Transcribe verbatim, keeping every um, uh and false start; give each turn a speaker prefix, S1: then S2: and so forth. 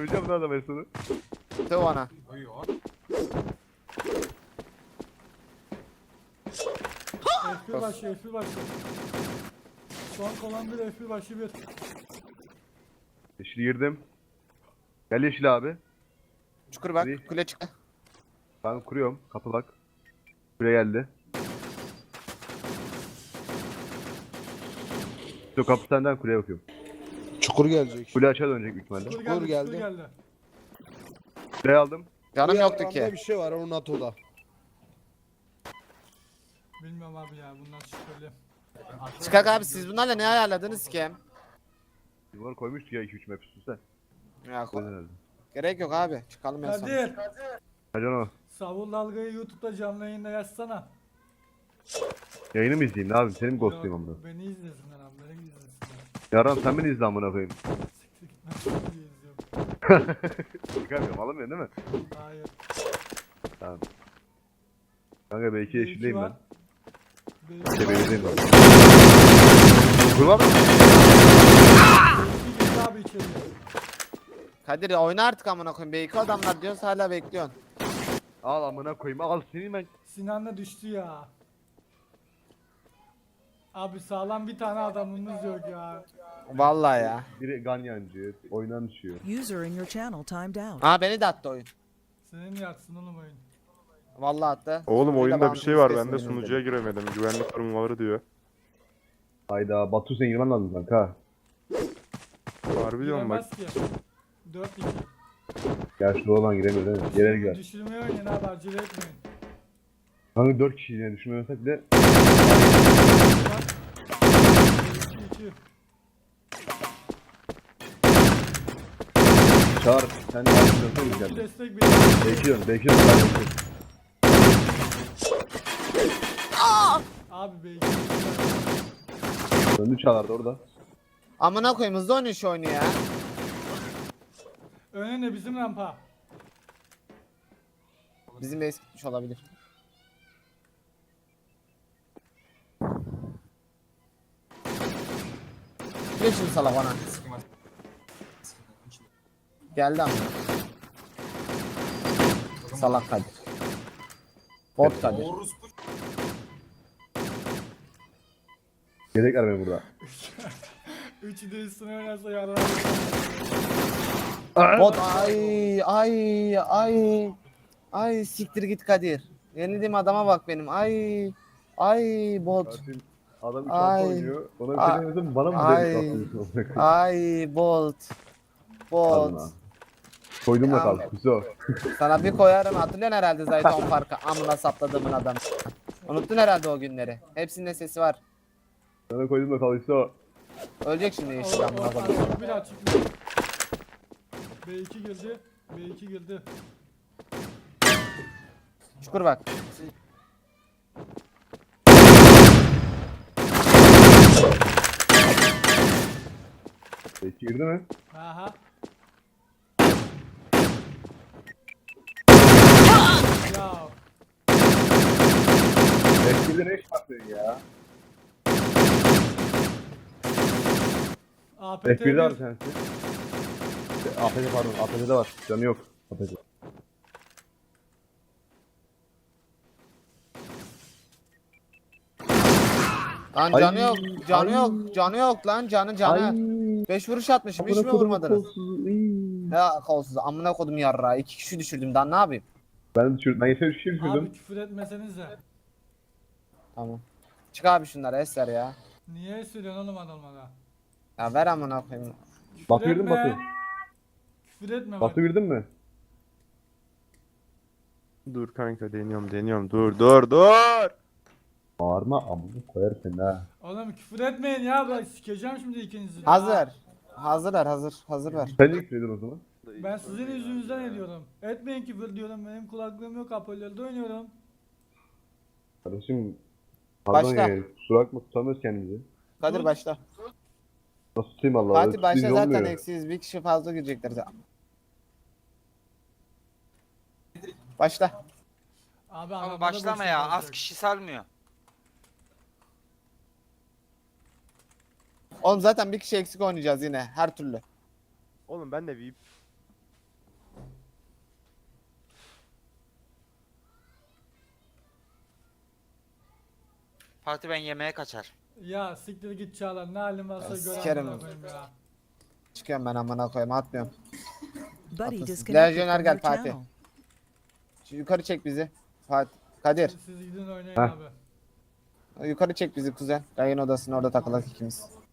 S1: Döveceğim lan adamı sonu.
S2: Döv ona.
S3: F bir başı, F bir başı. Son kalan bir F bir başı bir.
S1: Yeşil girdim. Gel yeşil abi.
S2: Çukur bak.
S1: Hadi.
S2: Kule çıktı.
S1: Ben kuruyorum. Kapı bak. Buraya geldi. Şu kapı senden kuleye bakıyorum.
S4: Çukur gelecek.
S1: Kule açığa dönecek büyük ihtimalle.
S3: Çukur
S4: Çukur
S3: geldi, çukur
S4: geldi.
S3: geldi.
S1: Kuleyi aldım.
S2: Canım
S4: Bu
S2: yoktu
S4: yaprağında
S2: ki.
S4: bir şey var onun NATO'da.
S3: Bilmiyorum abi ya bundan şüpheli.
S2: Çıkak abi siz bunlarla ne ayarladınız ki?
S1: Bunları koymuştuk ya iki üç map üst üste.
S2: Ya
S1: O yüzden herhalde.
S2: gerek yok abi. Çıkalım en son.
S3: Kadir,
S1: Hadi o.
S3: Savul Dalga'yı YouTube'da canlı yayında yazsana.
S1: Yayını mı izleyeyim ne yapayım? Seni mi ghostlayayım amına?
S3: Yok, beni izlesinler abi, beni izlesinler.
S1: Yaran sen beni izle amına koyayım.
S3: Siktir git, ben seni izliyorum.
S1: Çıkarmıyorum alamıyorsun değil mi?
S3: Hayır.
S1: Tamam. Kanka belki yeşildeyim ben.
S3: Belki
S1: İşte belirleyeyim ben. Kurma mı?
S3: girdi abi içeriye.
S2: Kadir oyna artık amına koyayım. B iki adamlar diyoruz hala bekliyorsun.
S1: Al amına koyayım al seni ben.
S3: Sinan da düştü ya. Abi sağlam bir tane adamımız yok ya.
S2: Vallahi ya.
S1: Biri ganyancı, oynan düşüyor.
S5: User in your channel timed out.
S2: Aa beni de attı oyun.
S3: Senin yatsın oğlum oyun.
S2: Vallahi attı.
S6: Oğlum
S2: Sunucuda
S6: oyunda bir
S2: bağımsız
S6: şey var,
S2: kesin
S6: ben de
S2: yemin
S6: sunucuya
S2: ederim.
S6: giremedim. Güvenlik korumaları diyor.
S1: Hayda Batu sen girmen lazım kanka.
S6: Harbi diyorum bak.
S3: Giremez ki. dört iki.
S1: Yaşlı olan giremiyor değil mi? Gelir girer.
S3: Düşürmeye oynayın abi, acele etmeyin.
S1: Kanka dört kişi yine düşünmüyorsak bile
S3: iki iki.
S1: çağır. Sen de aynı dönsene
S3: İki
S1: güzel.
S3: destek bir.
S1: Bekliyorum, bekliyorum. Ben bekliyorum.
S3: Abi belki.
S1: Döndü çağlardı orada.
S2: Amına koyayım hızlı oynuyor şu oyunu ya.
S3: Önüne bizim rampa.
S2: Bizim base gitmiş olabilir. Geç şimdi salak bana. Geldi ama. Salak Kadir. Bot Kadir.
S1: Gerek var beni burada.
S3: Üçü de üstüne oynarsa yarar.
S2: Bot ay ay ay. Ay siktir git Kadir. Yenildiğim adama bak benim. Ay ay bot.
S1: Zaten adam üç
S2: Ay.
S1: altı oynuyor. Ona bir
S2: Ay.
S1: şey demiyorsun bana mı
S2: Ay.
S1: direkt atıyorsun?
S2: Ay bot.
S1: Pardon
S2: Bot.
S1: abi. Koydum da
S2: Ya.
S1: kaldı. Kuso.
S2: Sana bir koyarım, hatırlıyorsun herhalde Zayton farkı amına sapladığımın adamı. Unuttun herhalde o günleri. Hepsinin sesi var.
S1: Sana koydum da kaldı Kuso.
S2: Ölecek şimdi yeşil
S3: O-
S2: amına
S3: o-
S2: koyayım.
S3: o- Bir açık. B iki girdi. B iki girdi.
S2: Çukur bak.
S1: Peki girdi mi?
S3: Aha. Ya
S1: Peki girdi ne iş yapıyorsun ya?
S3: A P T
S1: F bir'de var
S3: bir.
S1: sensin. A P T pardon A P T'de var. Canı yok. A P T.
S2: Lan
S1: Ay,
S2: canı yok, canı
S1: ay.
S2: yok, canı yok lan canı canı. beş vuruş atmışım, hiç mi vurmadınız? Ya kolsuz amına kodum yarra. İki kişi düşürdüm daha ne yapayım?
S1: Ben düşürdüm. Ben yeter üç kişi
S3: Abi
S1: düşürdüm.
S3: küfür etmesenize.
S2: Tamam. Çık abi şunları Eser ya.
S3: Niye söylüyorsun oğlum adamlara?
S2: Ya ver amına koyayım.
S3: Küfür
S1: Batu girdin mi
S3: etme.
S1: Batu?
S3: Küfür etme bak.
S1: Batu girdin mi?
S6: Dur kanka, deniyorum deniyorum, dur dur dur.
S1: Bağırma amına koyar seni ha.
S3: Oğlum küfür etmeyin ya, bak sikeceğim şimdi ikinizi. de.
S2: Hazır. Hazırlar hazır. Hazır ver.
S1: Sen niye küfredin o zaman?
S3: Ben sizin yüzünüzden ediyorum. Etmeyin küfür diyorum, benim kulaklığım yok, hoparlörde oynuyorum.
S1: Kardeşim. Pardon
S2: Başla.
S1: yani. Kusura bakma tutamıyoruz kendimizi.
S2: Kadir başla.
S1: Nasıl tutayım Allah'ı?
S2: Fatih başla
S1: Tutayım
S2: zaten
S1: olmuyor.
S2: eksiyiz. Bir kişi fazla girecekler zaten. Başla.
S3: Abi,
S7: Ama
S3: arabada
S7: başlama
S3: boşluk
S7: ya, az
S3: olacak.
S7: kişi salmıyor.
S2: Oğlum zaten bir kişi eksik oynayacağız yine her türlü.
S6: Oğlum ben de V I P.
S7: Fatih ben yemeğe kaçar.
S3: Ya siktir git Çağlar. Ne halin varsa
S2: Ya
S3: gör
S2: sikerim.
S3: amına koyayım ya.
S2: Çıkıyorum ben amına koyayım atmıyorum.
S5: Buddy
S2: Haklısın.
S5: disconnected
S2: Lejyoner
S5: from
S2: gel
S5: your
S2: Fatih.
S5: channel.
S2: Şu yukarı çek bizi. Fatih. Kadir.
S3: Siz gidin oynayın
S1: Heh.
S3: abi.
S2: Yukarı çek bizi kuzen. Yayın odasına orada takılak ikimiz.